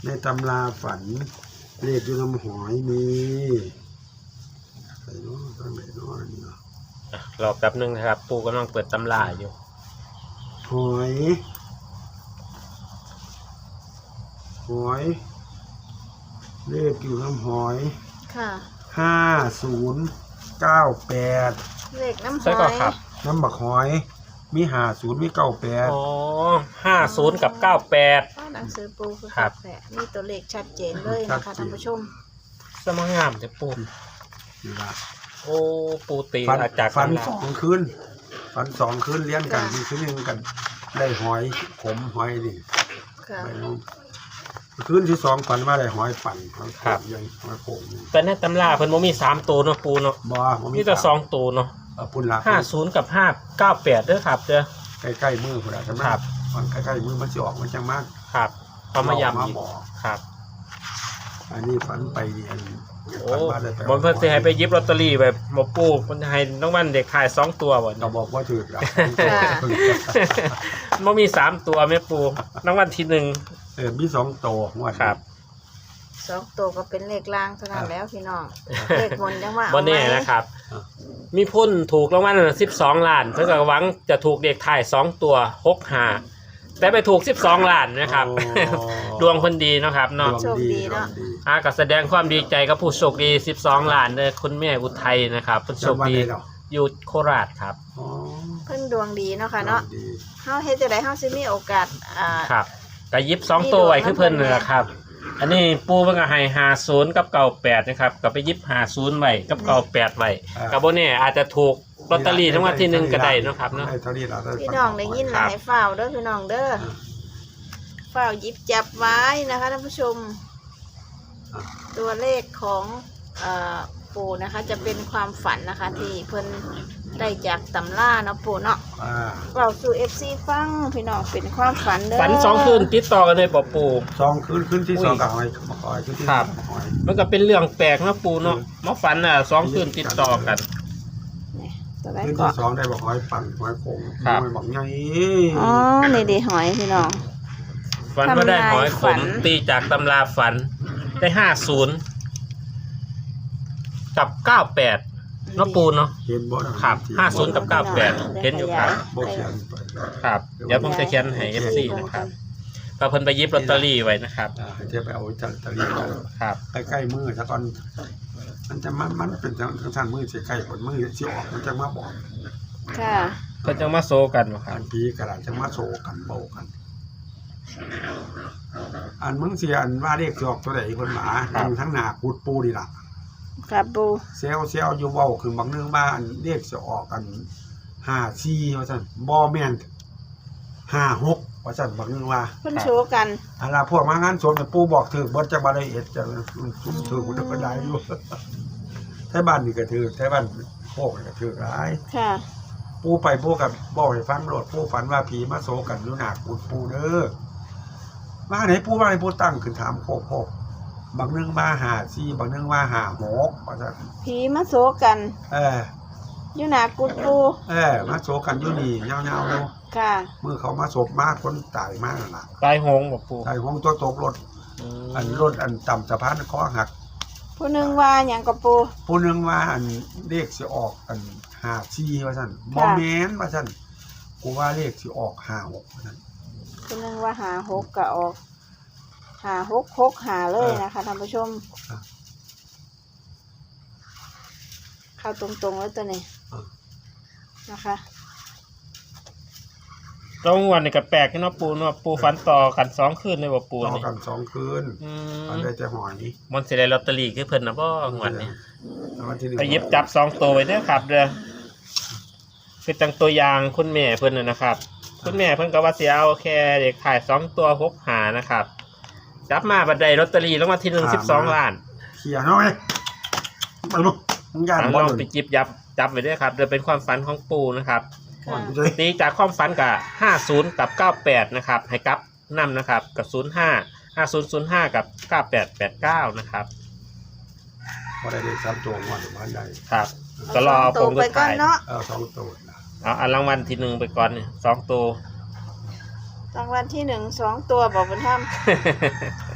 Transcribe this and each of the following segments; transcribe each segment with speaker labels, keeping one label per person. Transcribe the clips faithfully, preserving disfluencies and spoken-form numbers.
Speaker 1: ในตำราฝันเลขอยู่น้ำหอยมีใส่น้อตั้งไหนน้อนี่เนาะ
Speaker 2: รอแป๊บนึงนะครับปูกำลังเปิดตำราอยู่
Speaker 1: หอยหอยเลขอยู่น้ำหอย
Speaker 3: ค่ะ
Speaker 1: ห้าศูนย์เก้าแปด
Speaker 3: เลขน้ำห
Speaker 2: ใช่
Speaker 3: อ
Speaker 2: ก็
Speaker 3: ย
Speaker 2: ครับ
Speaker 1: น้ำบักหอยมีห้าศูนย์มีเก้าแปด
Speaker 2: อ๋อห้าศูนย์กับเก้าแปด
Speaker 3: หนังสือปูคือ
Speaker 2: ครับ
Speaker 3: แปะนี่ตัวเลขชัดเจนเลยนะคะท่านผู้ชม
Speaker 2: สมังงามจะปู
Speaker 1: นี่ละ
Speaker 2: โอ้ปูตี
Speaker 1: ฟัน
Speaker 2: อาจาก
Speaker 1: ฟันสองคืนฟันสองคืนเลี้ยงกันมีคืนหนึ่งกันได้หอยขมหอยนี่ไม่รู้คืนที่สองฝันว่าได้หอยปั่นครับยังหอยโข่ง
Speaker 2: แต่ในตำราเพิ่นบ่มีสามตัวเนาะปูเนาะ
Speaker 1: บ่
Speaker 2: มีแต่สองตัวเนาะ
Speaker 1: ปุ่นละ
Speaker 2: ห้าศูนย์กับห้าเก้าแปดเด้อครับเด้อ
Speaker 1: ใกล้ๆมือพุ่นละใช่ไหมครับมันใกล้ๆมือมันจะออกมันจังมาก
Speaker 2: ครับเอามาย้ำอีกครับ
Speaker 1: อันนี้ฝันไปเรียน
Speaker 2: โอ้บนเพิ่นสิให้ไปยิบลอตเตอรี่แบบบ่ปูเพิ่นให้น้องวันเด็กขายสองตัวบ่
Speaker 1: เราบอกว่าถูกแล้ว
Speaker 2: บ่มีสามตัวแม่ปูน้องวันที่หนึ่ง
Speaker 1: เออมีสองตัวงวด
Speaker 3: ครับสองตัวก็เป็นเลขล่างเท่านั้นแล้วพี่น้องเลขบนยังว่า
Speaker 2: บ่แน่นะครับมีพุ่นถูกรางวัลสิบสองล้านเพิ่นก็หวังจะถูกเด็กถ่ายสองตัวหกห้าแต่ไปถูกสิบสองล้านนะครับดวงคนดีนะครับเนาะ
Speaker 3: โชคดีเนาะ
Speaker 2: อาก็แสดงความดีใจกับผู้โชคดีสิบสองล้านเด้อคุณแม่อุทัยนะครับผู้โชคดีอยู่โคราชครับ
Speaker 3: เพิ่นดวงดีเนาะค่ะเนาะเฮาเฮ็ดจังได๋เฮาสิมีโอกาสอ่า
Speaker 2: ครับก็ยิบสองตัวไว้คือเพิ่นนั่นแหละครับอันนี้ปูเพิ่นก็ให้ห้าศูนย์กับเก้าแปดนะครับก็ไปยิบห้าศูนย์ไว้กับเก้าแปดไว้ก็บ่แน่อาจจะถูกลอตเตอรี่ทั้งวันที่หนึ่งก็ได้นะครับเนาะ
Speaker 3: พี่น้องได้ยินแล้วให้ฝ้าวเด้อพี่น้องเด้อฝ้าวหยิบจับไว้นะคะท่านผู้ชมตัวเลขของเอ่อปู่นะคะจะเป็นความฝันนะคะที่เพิ่นได้จากตำราเนาะปู่เนาะเราสู่ เอฟ ซี ฟังพี่น้องเป็นความฝันเด้อ
Speaker 2: ฝันสองคืนติดต่อกันเลยบ่ปู่
Speaker 1: สองคืนคืนที่สองกับหอยมาคอยคืนที่
Speaker 2: ครับมันก็เป็นเรื่องแปลกนะปู่เนาะมาฝันอ่ะสองคืนติดต่อกัน
Speaker 1: คืนที่สองได้บอกหอยปั่นหอยโข่งหอยบอกไง
Speaker 3: อ๋อนี่ดิหอยพี่น้อง
Speaker 2: ฝันว่าได้หอยขมตีจากตำราฝันได้ห้าศูนย์กับเก้าแปดเนาะปูเนาะ
Speaker 1: เห็นบ่
Speaker 2: ครับห้าศูนย์กับเก้าแปดเห็นอยู่ครับ
Speaker 1: บ่เขียน
Speaker 2: ครับเดี๋ยวผมจะเขียนให้ เอฟ ซี นะครับก็เพิ่นไปยิบลอตเตอรี่ไว้นะครับ
Speaker 1: ให้เทียบไปเอาลอตเตอรี่
Speaker 2: ครับ
Speaker 1: ใกล้ๆมือซะก่อนมันจะมันมันเป็นทางทางมือสิใกล้ผลมือสิออกมันจะมาบอก
Speaker 3: ค่ะ
Speaker 2: เพิ่นจะมาโซกันบ่ครับ
Speaker 1: อันปีกระดาษจะมาโซกันโบกันอันมึงสิอันว่าเรียกสิออกตัวใดเพิ่นหมาทั้งหน้าปูดปูนี่ล่ะ
Speaker 3: ครับปู
Speaker 1: เซลเซลอยู่เว้าคือบางเรื่องบ้านเรียกจะออกกันห้าสี่ว่าซั่นบ่แม่นห้าหกว่าซั่นบางเรื่องว่า
Speaker 3: เพิ่นโชว์กัน
Speaker 1: อะล่ะพวกมางานศพเนี่ยปู่บอกถือบ่จักบ่ได้เอ็ดจังซุ่มถือมันก็ได้อยู่แท้บ้านนี่ก็ถือแท้บ้านโคกก็ถือหลาย
Speaker 3: ค่ะ
Speaker 1: ปู่ไปปู่ก็บอกให้ฟังโลดปู่ฝันว่าผีมาโซกันอยู่หน้ากุฏปู่เด้อมาไหนปู่ว่าให้ปู่ตั้งขึ้นถามโคกโคกบางเรื่องว่าหาซี่บางเรื่องว่าหาหกว่าซั่น
Speaker 3: ผีมาโซกัน
Speaker 1: เออ
Speaker 3: อยู่หน้ากุฏปู่
Speaker 1: เออมาโซกันอยู่นี่ยาวๆเนาะ
Speaker 3: ค่ะ
Speaker 1: เมื่อเขามาศพมากคนตายมากนั่นล่ะ
Speaker 2: ตายโหงบ่ปู่
Speaker 1: ตายโหงตัวตกรถอันรถอันต่ำสะพานคอหัก
Speaker 3: ผู้นึงว่าหยังกับปู่
Speaker 1: ผู้นึงว่าอันเลขสิออกอันห้าสี่ว่าซั่นบ่แม่นว่าซั่นกูว่าเลขสิออกห้าหกว่าซั่น
Speaker 3: ผู้นึงว่าห้าหกก็ออกห้าหกหกห้าเลยนะคะท่านผู้ชมเข้าตรงๆแล้วตัวนี้นะคะ
Speaker 2: ตรงวันนี้ก็แปลกเนาะปูเนาะปูฝันต่อกันสองคืนเลยบ่ปู
Speaker 1: ต่อกันสองคืนอันได้แต่หอย
Speaker 2: มันสิได้ลอตเตอรี่คือเพิ่นน่ะบ่งวดนี้ไปหยิบจับสองตัวไว้เด้อครับเด้อคือจังตัวอย่างคุณแม่เพิ่นน่ะนะครับคุณแม่เพิ่นก็ว่าสิเอาแค่เด็กขายสองตัวหกห้านะครับจับมาบัดใดลอตเตอรี่รางวัลที่หนึ่ง สิบสองล้าน
Speaker 1: เขียนเอาไว้ไปลูกมึงย่านบ่
Speaker 2: ลองไปจิบยับจับไว้เด้อครับเด้อเป็นความฝันของปู่นะครับตีจากความฝันกับห้าศูนย์กับเก้าแปดนะครับให้กับนำนะครับกับศูนย์ห้า ห้าศูนย์ ศูนย์ห้ากับเก้าแปด แปดเก้านะครับ
Speaker 1: พอได้เลขสามตัวงวดบ้านใด
Speaker 2: ครับก็รอผมก็ถ่าย
Speaker 1: เออสองตัว
Speaker 2: เอาอันรางวัลที่หนึ่งไปก่อนเนี่ยสองตัว
Speaker 3: รางวัลที่หนึ่งสองตัวบอกบุญธรรม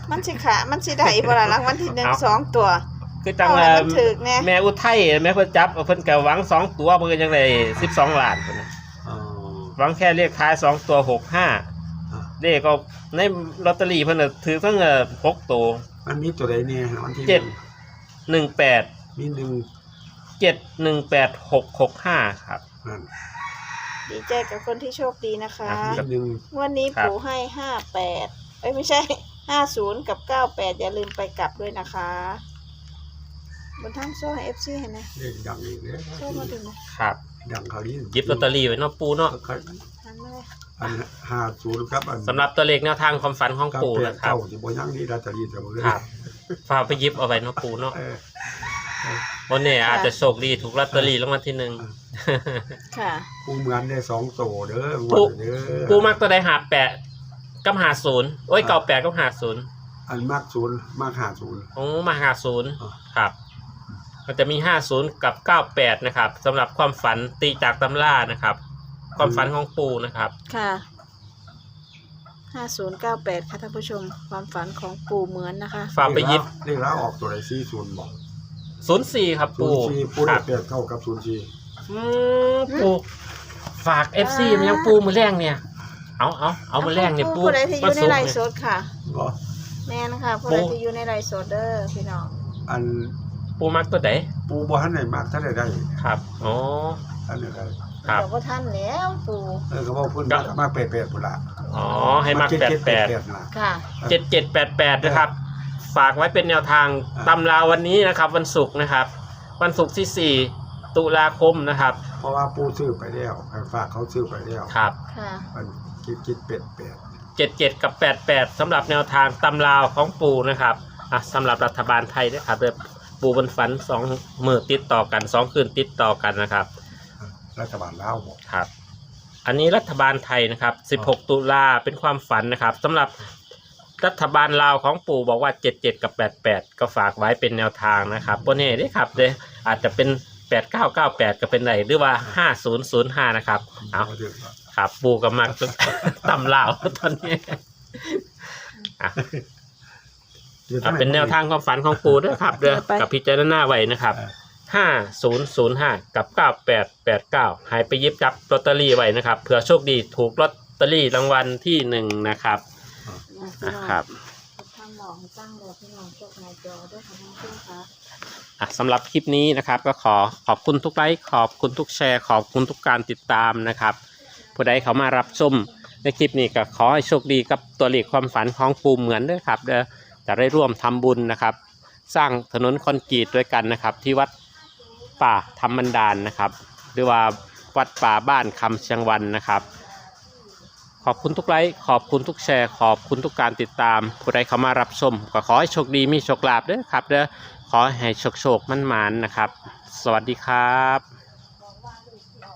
Speaker 3: มันสิขามันสิได้บ่ล่ะรางวัลที่หนึ่ง
Speaker 2: เอา
Speaker 3: สองตัว
Speaker 2: คือจัง
Speaker 3: เอาให้มันถึกแน่
Speaker 2: แม่อุทัยแม่เพิ่นจับเพิ่นก็หวังสองตัวเพิ่นก็ยังได้สิบสองล้านพุ่นน่ะ
Speaker 1: อ๋อ
Speaker 2: หวังแค่เลขท้ายสองตัวหกห้า
Speaker 1: อ่ะ
Speaker 2: เลขก็ในลอตเตอรี่เพิ่นน่ะถือทั้งเอ่อหกตัว
Speaker 1: มันมีตัวใดเนี่ยวันที่
Speaker 2: เจ็ด หนึ่งแปด
Speaker 1: มีหนึ่ง
Speaker 2: เจ็ดหนึ่งแปดหกหกห้าครับ
Speaker 1: นั่น
Speaker 3: ดีใจกับคนที่โชคดีนะคะ
Speaker 1: มีหนึ่ง
Speaker 3: งวันนี้
Speaker 2: ครับ
Speaker 3: ปู่ให้ห้าแปดเอ้ยไม่ใช่ ห้าศูนย์กับเก้าแปดอย่าลืมไปกลับด้วยนะคะบนทั้งโซ่ให้ เอฟ ซี เห็นไหม
Speaker 1: เลขดังอีกเลย
Speaker 3: โซ่มาถึงไหม
Speaker 2: ครับ
Speaker 1: ดังเขานี้
Speaker 2: หยิบลอตเตอรี่ไว้เนาะปูเนาะ
Speaker 3: หันมาเลย
Speaker 1: อันห้าศูนย์ครับอัน
Speaker 2: สำหรับตัวเลขแนวทางความฝันของ
Speaker 1: กับ
Speaker 2: ปู
Speaker 1: แปด
Speaker 2: นะครับ
Speaker 1: เก้าสิบยังนี่ลอตเตอรี่จะบ่เลย
Speaker 2: ครับฝากไปหยิบเอาไว้เนาะปูเนาะ
Speaker 1: เออ
Speaker 2: วันนี้อาจจะโชคดีถูกลอตเตอรี่รางวัลที่หนึ่ง
Speaker 3: ค่ะ
Speaker 1: ปูเหมือนได้สองโตเด้อ
Speaker 2: ปู
Speaker 1: เด้อ
Speaker 2: ปูมักตัวใดหาแปดกับหาศูนย์โอ้ยเก่าแปดกับหาศูนย์
Speaker 1: อันมากศูนย์มากหาศูนย์
Speaker 2: โอ้มาหาศูนย์
Speaker 1: อ่า
Speaker 2: ครับมันจะมีห้าศูนย์กับเก้าแปดนะครับสำหรับความฝันตีจากตำรานะครับ ความฝันของปูนะครับ
Speaker 3: ค่ะห้าศูนย์เก้าแปดค่ะท่านผู้ชม ความฝันของปู่เหมือนนะคะ
Speaker 2: ฝากไปหยิบ
Speaker 1: เลขแล้วออกตัวไหนสี่ศูนย์บอก
Speaker 2: ศูนย์สี่ครับ
Speaker 1: ศู
Speaker 2: ปู
Speaker 1: นย์สี่ปู
Speaker 2: ค
Speaker 1: ได้
Speaker 2: รับ
Speaker 1: แปดเข้ากับศูนย์สี่
Speaker 2: อืมปูฝากเอฟซีมันยังปูมือแรงเนี่ย เอาเอาเอามือแรงเนี่ยปู
Speaker 3: ผู้ใดที่อยู่ในไลฟ์ส
Speaker 2: เนี่ย
Speaker 3: ดค่ะ
Speaker 1: ก็
Speaker 3: แม่นะคะผู้ใดที่อยู่ในไลฟ์สดเด้อพี่น้อง
Speaker 1: อัน
Speaker 2: ปูมักตัวไหน
Speaker 1: ปูบ่ทันไหนมากท่านใดได้
Speaker 2: ครับอ๋อ
Speaker 1: ท่านใดได้
Speaker 2: ครับ
Speaker 3: เดี๋ยวก็ท่านแล้วปู่
Speaker 1: เออก็บอกเพิ่น
Speaker 2: ก็
Speaker 1: มากมากแปดแปดพุ่นละ
Speaker 2: อ๋อให้มักแปดแปด
Speaker 1: น่ะ
Speaker 3: ค่ะ
Speaker 2: เจ็ดเจ็ดแปดแปดนะครับ ฝากไว้เป็นแนวทาง
Speaker 1: อ่า
Speaker 2: ตำราวันนี้นะครับ วันศุกร์นะครับ วันศุกร์ที่สี่ตุลาคมนะครับ
Speaker 1: เพราะว่าปูซื้อไปแล้วให้ฝากเขาซื้อไปแล้ว
Speaker 2: ครับ
Speaker 3: ค่ะ
Speaker 1: มันคิดคิดเป็ดแปด
Speaker 2: เจ็ดเจ็ดกับแปดแปดสำหรับแนวทางตำราวของปูนะครับอ่ะสำหรับรัฐบาลไทยนะครับเดือปูบนฝันสองมือติดต่อกันสองคืนติดต่อกันนะครับ
Speaker 1: รัฐบาลลาวบอก
Speaker 2: ครับ อันนี้รัฐบาลไทยนะครับสิบหกตุลาเป็นความฝันนะครับสำหรับรัฐบาลลาวของปู่บอกว่าเจ็ดเจ็ดกับแปดแปดก็ฝากไว้เป็นแนวทางนะครับโบเน่ได้ครับเดยอาจจะเป็นแปดเก้าเก้าแปดก็เป็นไหนหรือว่าห้าศูนย์ศูนย์ห้านะครับเอา
Speaker 1: บ่ถึงว่า
Speaker 2: ครับปูกับมัก ตำลาวตอนนี้อ่ะอ่ะเป็นแนวทางความฝันของปูด้วยครับเด้อกับพิจารณาไว้นะครับห้าศูนย์ศูนย์ห้ากับเก้าแปดแปดเก้าหายไปหยิบจับลอตเตอรี่ไว้นะครับเผื่อโชคดีถูกลอตเตอรี่รางวัลที่หนึ่งนะครับอ่ะครับ
Speaker 3: ทางหมองตั้งรอพี่น้องจดหน้าจอด้วยค่ะท่านผู้ชมค่ะ
Speaker 2: อ่ะสำหรับคลิปนี้นะครับก็ขอขอบคุณทุกไลค์ขอบคุณทุกแชร์ขอบคุณทุกการติดตามนะครับผู้ใดเขามารับชมในคลิปนี้ก็ขอให้โชคดีกับตัวเลขความฝันของปูเหมือนด้วยครับเด้อจะได้ร่วมทำบุญนะครับ สร้างถนนคอนกรีตด้วยกันนะครับ ที่วัดป่าธรรมบันดาลนะครับ หรือว่าวัดป่าบ้านคำเชียงวันนะครับ ขอบคุณทุกไลค์ขอบคุณทุกแชร์ขอบคุณทุกการติดตามผู้ใดเขามารับชมก็ขอให้โชคดีมีโชคลาภเด้อครับเด้อขอให้โชคโชคมั่นหมานนะครับ สวัสดีครับ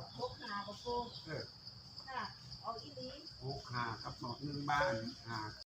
Speaker 1: หกห้าครับหมอกหนึ่งบ้านห้า